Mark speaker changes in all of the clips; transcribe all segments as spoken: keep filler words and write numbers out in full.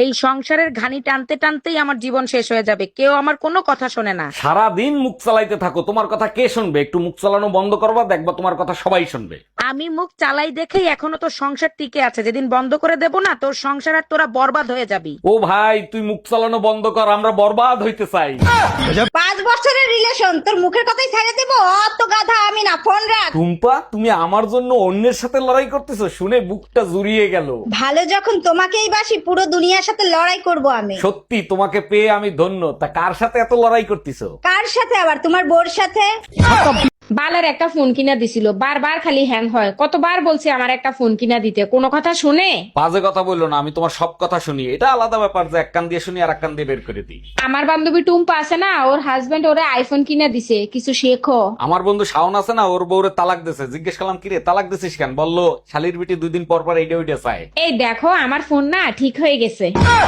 Speaker 1: এই সংসারের ঘানি টানতে টানতেই আমার জীবন শেষ হয়ে যাবে, কেউ আমার কোনো কথা শোনে না।
Speaker 2: সারা দিন মুখ চালাইতে থাকো, তোমার কথা কে শুনবে? একটু মুখ চালানো বন্ধ করবা, দেখবা তোমার কথা সবাই শুনবে।
Speaker 1: আমি মুখ চালাই দেখেই এখনো তোর সংসার টিকে আছে, যেদিন বন্ধ করে দেব না তোর সংসার আর তোরা বরবাদ হয়ে যাবি।
Speaker 2: ও ভাই, তুই মুখ চালানো বন্ধ কর, আমরা বরবাদ হইতে চাই।
Speaker 3: পাঁচ বছরের রিলেশন, তোর মুখের কথাই ছেড়ে দেবো? অত গাধা আমি না, ফোন রাখ।
Speaker 2: টুম্পা, তুমি আমার জন্য অন্যের সাথে লড়াই করতেছো, শুনে বুকটা জুড়িয়ে গেল।
Speaker 3: ভালো যখন তোমাকেই বাসি, পুরো দুনিয়ার সাথে লড়াই করব আমি।
Speaker 2: সত্যি তোমাকে পেয়ে আমি ধন্য। তা কার সাথে এত লড়াই করতেছো?
Speaker 3: কার সাথে আবার? তোমার বোর সাথে।
Speaker 1: বালের একটা ফোন কিনা দিছিল, বারবার খালি হ্যাং হয়। কতবার বলছি আমার একটা ফোন কিনা দিতে, কোনো কথা শুনে?
Speaker 2: বাজে কথা বললো না, আমি তোমার সব কথা শুনি। এটা আলাদা ব্যাপার যে এক কান দিয়ে শুনি আর এক কান দিয়ে বের করে দিই।
Speaker 1: আমার বান্ধবী টুম্পা আছে না, ওর হাজবেন্ড ওরে আইফোন কিনা দিছে, কিছু শেখো।
Speaker 2: আমার বন্ধু শাওন আছে না, ওর বউরে তালাক দিছে। জিজ্ঞেস করলাম কিরে তালাক দিছিস কেন? বললো শালির বিটি দুই দিন পর পর এইটা ওইটা চায়।
Speaker 1: এই দেখো আমার ফোন না ঠিক হয়ে গেছে।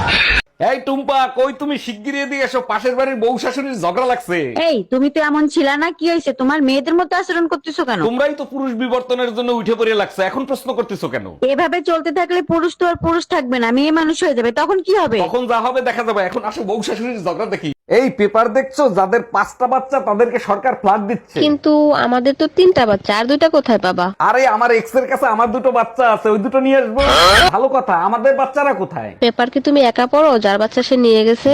Speaker 2: এই টুম্পা, কই তুমি? শিগগিরই এদিকে এসো, পাশের বাড়ির বউ শাশুড়ির ঝগড়া লাগছে।
Speaker 4: এই তুমি তো এমন ছিল না, কি হয়েছে? তোমার মেয়েদের মতো আচরণ করতেছো কেন?
Speaker 2: তোমরাই তো পুরুষ বিবর্তনের জন্য উঠে পড়ে লাগছে, এখন প্রশ্ন করতেছো কেন?
Speaker 4: এভাবে চলতে থাকলে পুরুষ তো আর পুরুষ থাকবে না, মেয়ে মানুষ হয়ে যাবে, তখন কি হবে?
Speaker 2: তখন যা হবে দেখা যাবে। এখন আসো বউ শাশুড়ির ঝগড়া দেখি। এই পেপার দেখছো, যাদের পাঁচটা বাচ্চা তাদেরকে সরকার ফ্ল্যাট দিচ্ছে।
Speaker 5: কিন্তু আমাদের তো তিনটা বাচ্চা, আর দুইটা কোথায় পাবা?
Speaker 2: আরে আমার এক্স এর কাছে আমার দুটো বাচ্চা আছে, ওই দুটো নিয়ে আসবো। ভালো কথা, আমাদের বাচ্চারা কোথায়?
Speaker 5: পেপার কি তুমি একা পড়ো? যার বাচ্চা সে নিয়ে গেছে।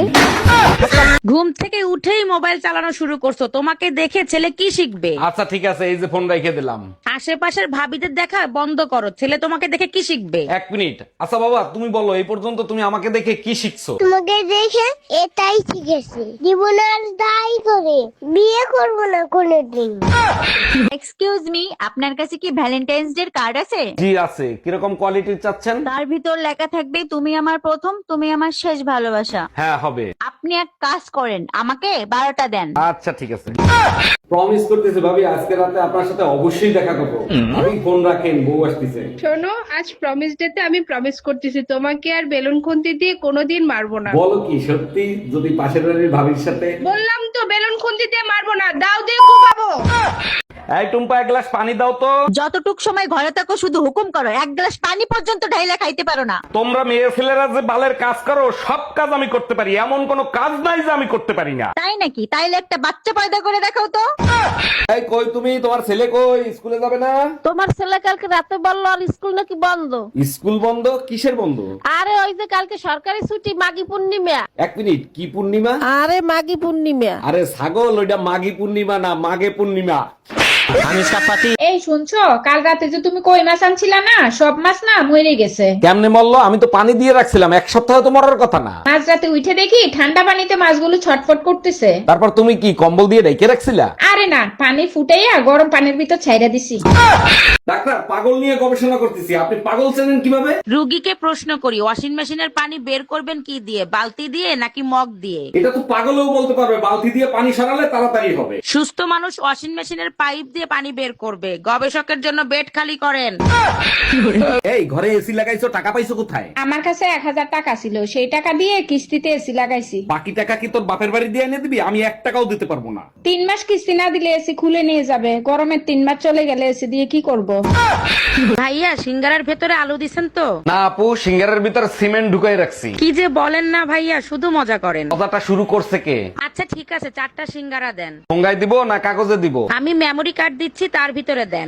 Speaker 1: ঘুম থেকে উঠেই মোবাইল চালানো শুরু করছো, তোমাকে দেখে ছেলে কি শিখবে?
Speaker 2: আচ্ছা ঠিক আছে, এই যে ফোন রেখে দিলাম।
Speaker 1: আশেপাশের ভাবিদের দেখা বন্ধ করো, ছেলে তোমাকে দেখে কি শিখবে?
Speaker 2: এক মিনিট। আচ্ছা বাবা, তুমি বলো এই পর্যন্ত তুমি আমাকে দেখে কি শিখছো?
Speaker 6: তোমাকে দেখে এটাই শিখেছি, জীবন আর দায়ী করে বিয়ে করবো না কোনোদিন।
Speaker 4: এক্সকিউজ মি, আপনার কাছে কি ভ্যালেন্টাইন্স ডে কার্ড আছে?
Speaker 2: জি আছে। কিরকম কোয়ালিটির চাচ্ছেন?
Speaker 4: তার ভিতর লেখা থাকবে তুমি আমার প্রথম, তুমি আমার শেষ ভালোবাসা।
Speaker 2: হ্যাঁ হবে।
Speaker 4: আপনি এক কাজ করেন, আমাকে বারোটা দেন।
Speaker 2: আচ্ছা ঠিক আছে। প্রমিস করতেছি ভাবি, আজকে রাতে আপনার সাথে অবশ্যই দেখা করবো। আপনি ফোন রাখেন, বউ আসতেছে।
Speaker 7: শোনো, আজ প্রমিস ডেতে আমি প্রমিস করতেছি তোমাকে আর বেলুন খুন্তি দিয়ে কোনোদিন মারবো না।
Speaker 2: বলো কি সত্যি? যদি পাশের বাড়ির ভাবির সাথে?
Speaker 7: বললাম তো বেলুন খুন্তি দিয়ে মারবো না, দাও দিয়ে কোপাবো।
Speaker 2: এই টুম্পা, এক গ্লাস পানি দাও তো।
Speaker 4: যতটুক সময় ঘরে থাকো শুধু হুকুম করো, এক গ্লাস পানি পর্যন্ত ঢাইলা খাইতে পারো না।
Speaker 2: তোমরা মেয়ে ছেলেরা যে বালের কাজ করো, সব কাজ আমি করতে পারি, এমন কোনো কাজ নাই যে আমি করতে পারি না।
Speaker 4: তাই নাকি? তাইলে একটা বাচ্চা পয়দা করে দেখাও তো।
Speaker 2: এই কই তুমি? তোমার ছেলে কই? স্কুলে যাবে না?
Speaker 5: তোমার ছেলে কালকে রাতে বললো আর স্কুল নাকি বন্ধ।
Speaker 2: স্কুল বন্ধ? কিসের বন্ধ?
Speaker 5: আরে ওই যে কালকে সরকারি ছুটি, মাঘী পূর্ণিমা।
Speaker 2: এক মিনিট, কি পূর্ণিমা?
Speaker 5: আরে মাঘী পূর্ণিমা।
Speaker 2: আরে ছাগল, ওইটা মাঘী পূর্ণিমা না, মাঘে পূর্ণিমা।
Speaker 1: এই শুনছো, কাল রাতে যে তুমি কই মাছ আনছিলা না, সব মাছ না মরে গেছে।
Speaker 2: কেমনে মরলো? আমি তো পানি দিয়ে রাখছিলাম, এক সপ্তাহ তো মরার কথা না।
Speaker 1: মাঝ রাতে উঠে দেখি ঠান্ডা পানিতে মাছগুলো ছটফট করতেছে।
Speaker 2: তারপর তুমি কি কম্বল দিয়ে ঢেকে রাখছিলা?
Speaker 1: আরে না, পানি ফুটাইয়া গরম পানির ভিতর ছাইড়া দিছি।
Speaker 2: ডাক্তার, পাগল নিয়ে গবেষণা করতেছি, আপনি পাগল চেনেন কিভাবে?
Speaker 1: রুগীকে প্রশ্ন করি, ওয়াশিং মেশিনের পানি বের করবেন কি দিয়ে, বালতি দিয়ে নাকি মগ দিয়ে?
Speaker 2: এটা তো পাগলও বলতে পারবে, বালতি দিয়ে পানি সরালে তাড়াতাড়ি হবে।
Speaker 1: সুস্থ মানুষ ওয়াশিং মেশিনের পাইপ দিয়ে পানি বের করবে, গবেষকের জন্য বেড খালি করেন।
Speaker 2: এই ঘরে এসি লাগাইছো, টাকা পাইছো কোথায়?
Speaker 1: আমার কাছে এক হাজার টাকা ছিল, সেই টাকা দিয়ে কিস্তিতে এসি লাগাইছি।
Speaker 2: বাকি টাকা কি তোর বাপের বাড়ি দিয়ে এনে দিবি? আমি এক টাকাও দিতে পারবো না।
Speaker 1: তিন মাস কিস্তি না দিলে এসি খুলে নিয়ে যাবে, গরমের তিন মাস চলে গেলে এসি দিয়ে কি করব? ভাইয়া, সিঙ্গারার ভেতরে আলু দিছেন তো?
Speaker 2: না আপু, সিঙ্গারের ভিতর সিমেন্ট ঢুকাই রাখছি।
Speaker 1: কি যে বলেন না ভাইয়া, শুধু মজা করেন।
Speaker 2: কথাটা শুরু করছে কে?
Speaker 1: আচ্ছা ঠিক আছে, চারটা সিঙ্গারা দেন।
Speaker 2: ঠোঙ্গায় দিব না কাগজে দিব?
Speaker 1: আমি মেমোরি কার্ড দিচ্ছি, তার ভিতরে দেন।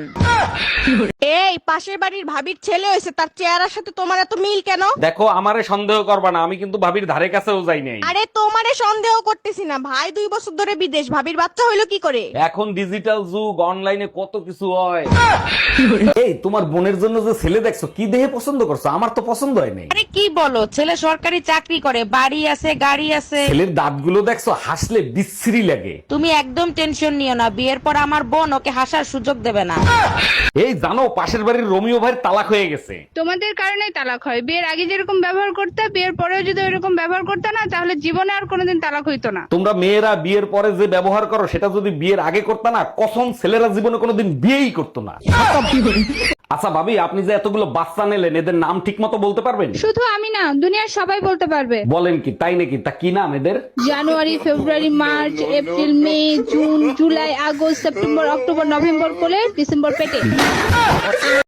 Speaker 3: এই পাশের বাড়ির ভাবির ছেলে হয়েছে, তার চেহারার সাথে তোমার এত মিল কেন?
Speaker 2: দেখো, আমারে সন্দেহ করবা না, আমি কিন্তু ভাবির ধারে কাছেও যাই নাই।
Speaker 3: আরে তোমারে সন্দেহ করতেছি না, ভাই দুই বছর ধরে বিদেশ, ভাবির বাচ্চা হইলো কি করে?
Speaker 2: এখন ডিজিটাল যুগ, অনলাইনে কত কিছু হয়। এই তোমার বোনের জন্য যে ছেলে দেখছো, কি দেখে পছন্দ করছো? আমার তো পছন্দ হয় নাই।
Speaker 1: আরে কি বলো, ছেলে সরকারি চাকরি করে, বাড়ি আছে, গাড়ি আছে।
Speaker 2: ছেলের দাঁতগুলো দেখছো, হাসলে বিশ্রী লাগে।
Speaker 1: তুমি একদম টেনশন নিও না, বিয়ের পর আমার বোন ওকে হাসার সুযোগ দেবে না।
Speaker 2: এই জানো, পাশের বাড়ির রোমিও ভাইয়ের তালাক হয়ে গেছে।
Speaker 7: তোমাদের কারণেই তালাক হয়। বিয়ের আগে যেরকম ব্যবহার করতে, বিয়ের পরেও যদি ওইরকম ব্যবহার করতে না, তাহলে জীবনে আর কোনোদিন তালাক হইতো না।
Speaker 2: তোমরা মেয়েরা বিয়ের পরে যে ব্যবহার করো, সেটা যদি বিয়ের আগে করতে না, কসম ছেলেরা জীবনে কোনোদিন বিয়েই করতো না। আচ্ছা ভাবি, আপনি যে এতগুলো বাচ্চা নিলেন, এদের নাম ঠিক মতো বলতে পারবেন?
Speaker 7: শুধু আমি না, দুনিয়ার সবাই বলতে পারবে।
Speaker 2: বলেন কি, তাই নাকি? তা কি নাম এদের?
Speaker 7: January, February, March, April, May, June, July, August, September, October, November কোলে, ডিসেম্বর পেটে।